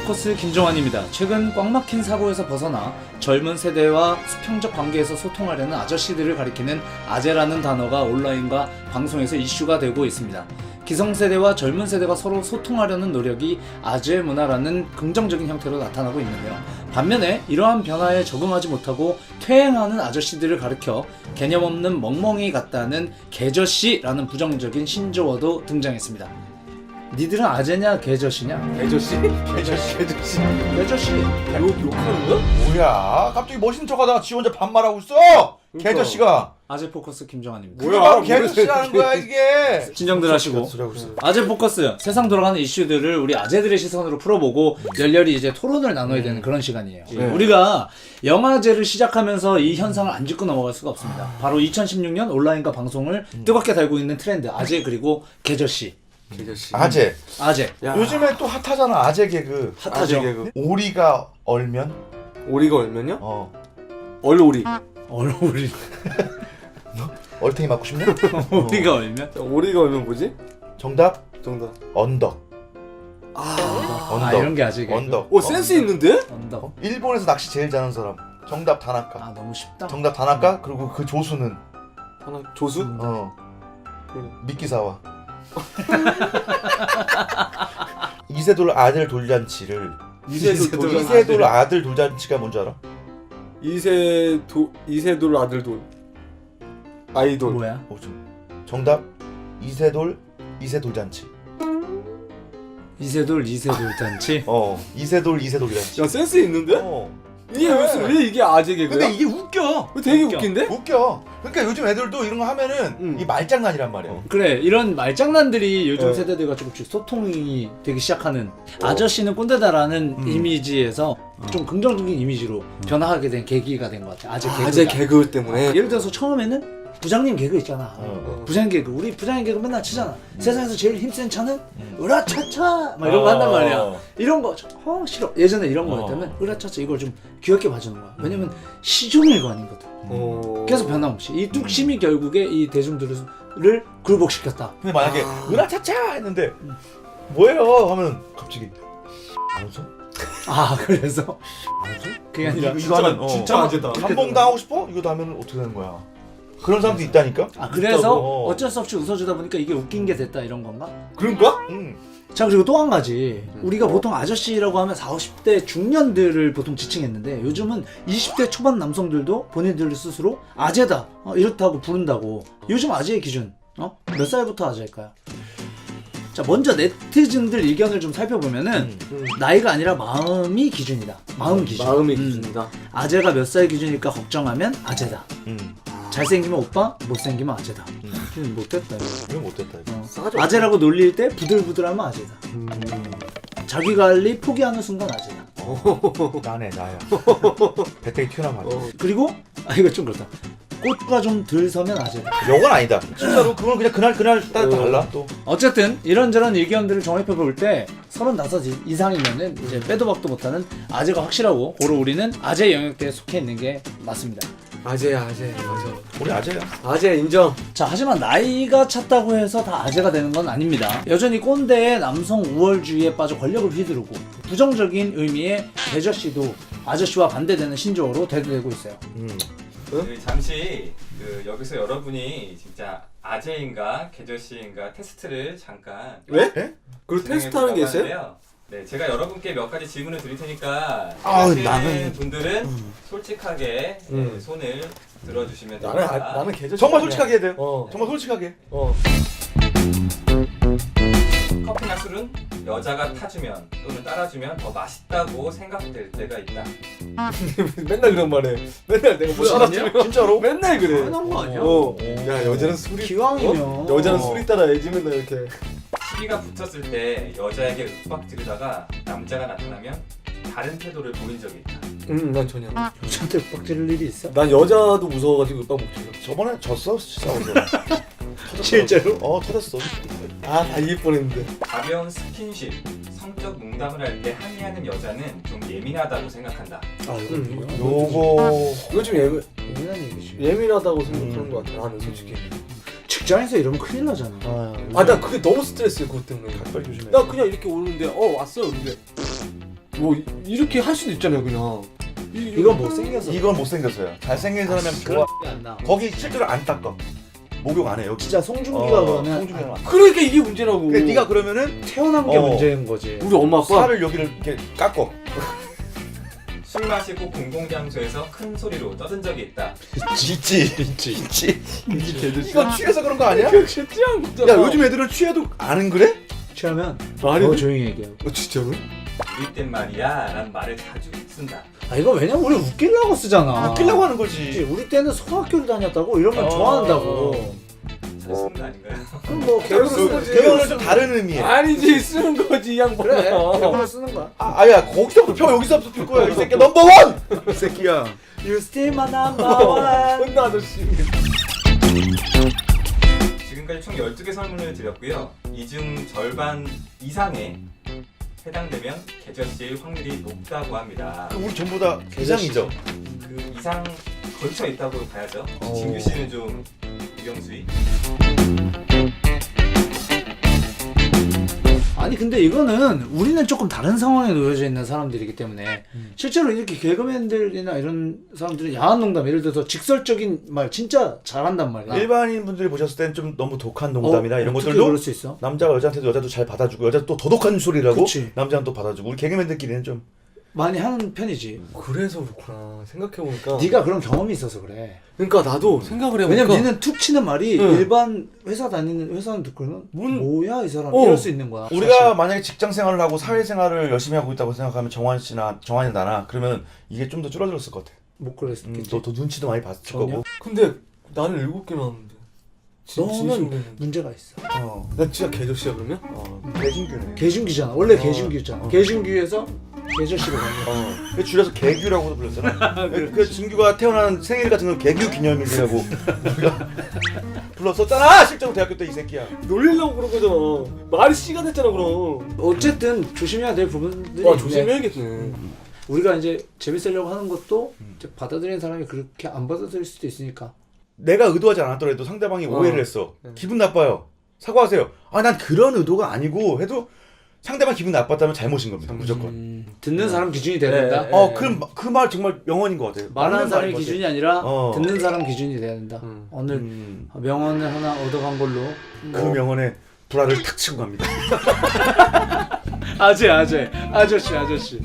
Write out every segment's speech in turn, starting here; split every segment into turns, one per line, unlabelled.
포커스 김종환입니다. 최근 꽉 막힌 사고에서 벗어나 젊은 세대와 수평적 관계에서 소통하려는 아저씨들을 가리키는 아재라는 단어가 온라인과 방송에서 이슈가 되고 있습니다. 기성세대와 젊은 세대가 서로 소통하려는 노력이 아재 문화라는 긍정적인 형태로 나타나고 있는데요. 반면에 이러한 변화에 적응하지 못하고 퇴행하는 아저씨들을 가리켜 개념 없는 멍멍이 같다는 개저씨라는 부정적인 신조어도 등장했습니다. 니들은 아재냐 개저씨냐?
개저씨?
개저씨.
개저씨?
개저씨.
욕하는 거야?
뭐야? 갑자기 멋있는 척하다가 지 혼자 반말하고 있어. 개저씨가.
아재 포커스 김정환입니다.
뭐야? 개저씨라는 거야 이게.
진정들 하시고.
소리 하고 있어.
아재 포커스, 세상 돌아가는 이슈들을 우리 아재들의 시선으로 풀어보고 열렬히 이제 토론을 나눠야 되는 그런 시간이에요.
네.
우리가 영화제를 시작하면서 이 현상을 안 짚고 넘어갈 수가 없습니다. 바로 2016년 온라인과 방송을 뜨겁게 달고 있는 트렌드 아재 그리고 개저씨.
개저씨.
아재.
아재.
야.
요즘에 또 핫하잖아 아재 개그.
핫하죠.
아재 개그.
오리가 얼면?
오리가 얼면요? 얼오리.
얼굴이.
얼탱이 맞고 싶냐?
우리가 얼면?
오리가 얼면 뭐지?
정답
정답.
언덕.
아 이런 게 아재 개그.
언덕.
오 센스 있는데?
언덕.
일본에서 낚시 제일 잘하는 사람. 정답 다나카.
아 너무 쉽다.
정답 다나카. 그리고 그 조수는
하나 조수?
미끼사와. 이세돌 아들 돌잔치를 이세돌 아들 돌잔치가 뭔지 알아?
이세돌 아들돌. 아이돌.
뭐야?
정답 이세돌 이세돌잔치.
이세돌 잔치?
이세돌 이세돌잔치.
야 센스 있는데? 이게 무슨 왜 이게 아재 개그야?
근데 이게 웃겨.
되게
웃겨.
웃긴데?
웃겨. 그러니까 요즘 애들도 이런 거 하면은 이 말장난이란 말이야.
그래 이런 말장난들이 요즘
네.
세대들과 조금씩 소통이 되기 시작하는 아저씨는 꼰대다라는 이미지에서 좀 긍정적인 이미지로 변화하게 된 계기가 된 것 같아.
아재 개그 때문에.
예를 들어서 처음에는 부장님 개그 있잖아. 부장님 개그. 우리 부장님 개그 맨날 치잖아. 세상에서 제일 힘센 차는 으라차차 막 이런 거 한단 말이야. 이런 거 싫어. 예전에 이런 거였다면 으라차차 이걸 좀 귀엽게 봐주는 거야. 왜냐면 시종일관이거든. 계속 변함없이 이 뚝심이 결국에 이 대중들을 굴복시켰다.
근데 만약에 으라차차 했는데 뭐예요? 하면 갑자기 안 웃어?
아 그래서 그게 아니라
이거 하면
진짜 아재다.
감봉 당하고 싶어? 이거 하면 어떻게 되는 거야? 그런 사람도 있다니까?
아 그래서
있다고.
어쩔 수 없이 웃어주다 보니까 이게 웃긴 게 됐다 이런 건가?
그런가?
자 그리고 또 한 가지 우리가 보통 아저씨라고 하면 40, 50대 중년들을 보통 지칭했는데 요즘은 20대 초반 남성들도 본인들 스스로 아재다 이렇다고 부른다고. 요즘 아재의 기준 몇 살부터 아재일까요? 자 먼저 네티즌들 의견을 좀 살펴보면은 나이가 아니라 마음이 기준이다. 마음 기준.
마음이 기준이다.
아재가 몇 살 기준일까 걱정하면 아재다.
음.
잘생기면 오빠, 못생기면 아재다. 못됐다 이거.
이건 못됐다 이거.
싸가지
아재라고 놀릴 때 부들부들하면 아재다. 자기관리 포기하는 순간 아재다.
나네 나야. 배터리 튀어나와.
그리고 이거 좀 그렇다. 꽃가 좀 덜 서면 아재다.
이건 아니다. 진짜로 그건 그냥 그날 따라 달라 또.
어쨌든 이런저런 의견들을 정립해볼 때 35 이상이면은 이제 빼도 박도 못하는 아재가 확실하고 고로 우리는 아재 영역대에 속해 있는 게 맞습니다.
아재야 아재. 맞아.
우리 아재야.
아재 인정.
자 하지만 나이가 찼다고 해서 다 아재가 되는 건 아닙니다. 여전히 꼰대의 남성 우월주의에 빠져 권력을 휘두르고 부정적인 의미의 개저씨도 아저씨와 반대되는 신조어로 대두되고 있어요.
잠시 여기서 여러분이 진짜 아재인가 개저씨인가 테스트를 잠깐
왜?
진행해
그걸 테스트하는 게 있어요?
하는데요. 네, 제가 여러분께 몇 가지 질문을 드릴 테니까
아우,
하시는
나는-
분들은 솔직하게 손을 들어주시면
나는
됩니다.
나는 개저씨.
정말 솔직하게 해야 돼요.
어.
정말 솔직하게.
커피나 술은 여자가 타주면 또는 따라주면 더 맛있다고 생각될 때가 있다.
맨날 그런 말해. 맨날 내가 뭐 따라주면
진짜로?
맨날 그래.
당연한 거 아니야?
야 여자는 술이
기왕이면.
여자는 술이 따라야지 맨날 이렇게.
시비가 붙었을 때 여자에게 윽박 지르다가 남자가 나타나면 다른 태도를 보인 적이 있다.
난 전혀.
여자한테 빡지를 일이 있어?
난 여자도 무서워가지고 윽박 못 질러.
저번에 졌어 싸워서.
실제로?
터졌어.
다 이길 뻔했는데.
가벼운 스킨십, 성적 농담을 할 때 항의하는 여자는 좀 예민하다고 생각한다.
아 이거
요거
이거 좀
예민한 얘기지.
예민하다고 생각하는 것 같아. 나는 솔직히.
직장에서 이러면 큰일 나잖아.
나 그게 너무 스트레스야 그것 때문에.
빨리 조심해.
나 그냥 이렇게 오는데 왔어요 근데 뭐 이렇게 할 수도 있잖아요 그냥.
이건 못생겨서.
이건 못생겼어요. 잘생긴 사람이면
그런
좋아.
게 안 나.
거기 실제로 안 닦아. 목욕 안 해 여기.
진짜 송중기가 그러면
송중기가.
그러니까 이게 문제라고.
근데 네가 그러면은
태어난 게
어.
문제인 거지.
우리 엄마 아빠
살을 여기를 이렇게 깎어.
술 마시고 공공장소에서 큰 소리로 떠든 적이 있다.
있지. 이거 취해서 그런 거 아니야?
진짜 취한 거잖아.
야 요즘 애들은 취해도 안 그래?
취하면
말이
더
돼?
조용히 얘기하고.
진짜로?
이땐 말이야 라는 말을 자주 쓴다.
아 이거 왜냐면 우리 웃기려고 쓰잖아.
웃기려고 하는
그치,
거지.
우리 때는 소학교를 다녔다고 이러면 좋아한다고.
자주 쓰는 거 아닌가요?
그럼 뭐
개그로
개그로
쓰는 거지.
이거는 좀 다른 의미에.
아니지 쓰는 거지 이 양반아.
그래 개그로 쓰는 거야.
아야 거기서부터 펴 여기서부터 필 거야 이 새끼 넘버 원. 이 새끼야.
You still my number one.
혼나 아저씨.
지금까지 총 12개 설문을 드렸고요. 이 중 절반 이상에 해당되면 개저씨일 확률이 높다고 합니다.
우리 전부 다 개장이죠.
그 이상 걸쳐 있다고 봐야죠. 진규 씨는 좀 유경수이.
아니 근데 이거는 우리는 조금 다른 상황에 놓여져 있는 사람들이기 때문에 실제로 이렇게 개그맨들이나 이런 사람들은 야한 농담 예를 들어서 직설적인 말 진짜 잘한단 말이야.
일반인 분들이 보셨을 때는 좀 너무 독한 농담이나 이런
어떻게
것들도
그럴 수 있어?
남자가 여자한테도 여자도 잘 받아주고 여자 또 더독한 소리라고
그치.
남자는 또 받아주고 우리 개그맨들끼리는 좀
많이 하는 편이지.
그래서 그렇구나. 생각해보니까.
네가 그런 경험이 있어서 그래.
그러니까 나도 생각을 해보니까.
왜냐면 니는 툭 치는 말이
응.
일반 회사 다니는 회사는 듣고는 뭐야 이 사람
어.
이럴 수 있는 거야.
우리가 만약에 직장 생활을 하고 사회 생활을 열심히 하고 있다고 생각하면 정환이 나나 그러면 이게 좀 더 줄어들었을 것 같아.
못 그랬겠지.
너 눈치도 많이 봤을
전혀?
거고.
근데 나는 7개 나왔는데.
너는 문제가 있어.
나 진짜 개저씨야 그러면?
개진규네.
개준기잖아. 원래 개준기였잖아. 개준기에서 개저씨로 간 거야.
줄여서 개규라고도 불렀잖아. 그 진규가 태어난 생일 같은 건 개규 기념일이라고 우리가 불렀었잖아. 실제로 대학교 때 이 새끼야.
놀리려고 그런 거잖아. 말이 씨가 됐잖아 그럼.
어쨌든 조심해야 될 부분들이
와
있는데
조심해야겠네.
우리가 이제 재밌으려고 하는 것도 이제 받아들이는 사람이 그렇게 안 받아들일 수도 있으니까.
내가 의도하지 않았더라도 상대방이 오해를 했어. 기분 나빠요. 사과하세요. 아 난 그런 의도가 아니고 해도 상대방 기분 나빴다면 잘못인 겁니다. 무조건.
듣는 사람 기준이 돼야 된다.
네.
그 말 정말 명언인 것 같아요.
말하는
맞는
사람이
말인 것
기준이 아니라
어.
듣는 사람 기준이 돼야 된다. 오늘 명언을 하나 얻어간 걸로.
그 명언에 불화를 탁 치고 갑니다.
아저씨.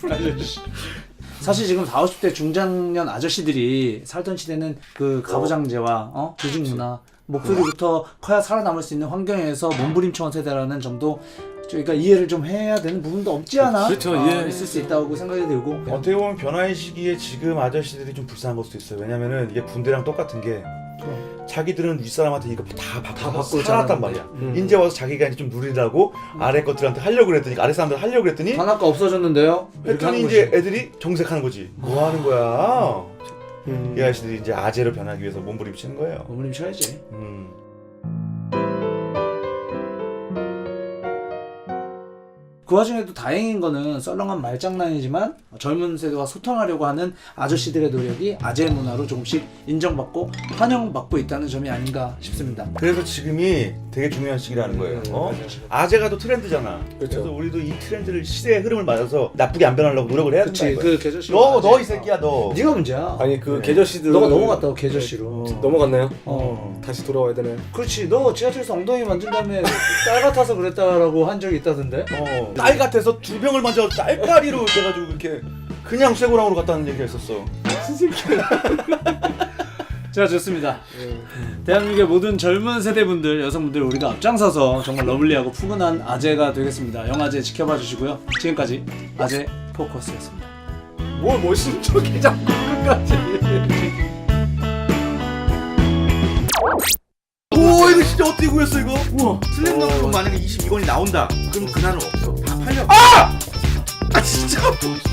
사실 지금 40, 50대 중장년 아저씨들이 살던 시대는 그 가부장제와 조직 문화 목소리부터 커야 살아남을 수 있는 환경에서 몸부림쳐온 세대라는 점도 저희가 이해를 좀 해야 되는 부분도 없지 않아?
그렇죠, 예.
있을 수 있다고 생각이 들고.
어떻게 보면 변화의 시기에 지금 아저씨들이 좀 불쌍한 걸 수도 있어요. 왜냐면은 이게 군대랑 똑같은 게 자기들은 윗사람한테 이거 다 받고 살았단
자라는데.
말이야. 이제 와서 자기가 이제 좀 누리라고 아래 것들한테 하려고 그랬더니 아래 사람들 하려고 그랬더니
단학가 없어졌는데요? 이렇게 하는
했더니
거지.
이제 애들이 정색하는 거지. 뭐 하는 거야? 이 아저씨들이 이제 아재로 변하기 위해서 몸부림치는 거예요.
몸부림 쳐야지. 그 와중에도 다행인 거는 썰렁한 말장난이지만 젊은 세대와 소통하려고 하는 아저씨들의 노력이 아재 문화로 조금씩 인정받고 환영받고 있다는 점이 아닌가 싶습니다.
그래서 지금이 되게 중요한 시기라는 거예요. 아재가 또 트렌드잖아.
그렇죠.
그래서 우리도 이 트렌드를 시대의 흐름을 맞아서 나쁘게 안 변하려고 노력을 해야
그치,
된다.
그 개저씨.
너 이 새끼야 너.
네가 문제야.
아니 그 개저씨들.
너가 넘어갔다고 개저씨로.
넘어갔나요? 다시 돌아와야 되나요?
그렇지. 너 지하철에서 엉덩이 만진 다음에 딸 같아서 그랬다라고 한 적이 있다던데.
딸 같아서 두 병을 만져 딸까리로 돼가지고 이렇게 그냥 쇠고랑으로 갔다는 얘기가 있었어.
자, 좋습니다. 대한민국의 모든 젊은 세대분들, 여성분들 우리가 앞장서서 정말 러블리하고 푸근한 아재가 되겠습니다. 영아재 지켜봐 주시고요. 지금까지 아재 포커스였습니다.
뭘 멋진 척이 자꾸 끝까지.
오 이거 진짜 어떻게 구했어 이거? 우와. 슬램덩크 만약에 22권이 나온다. 그럼 그날은 없어. 다 팔려. 아 진짜.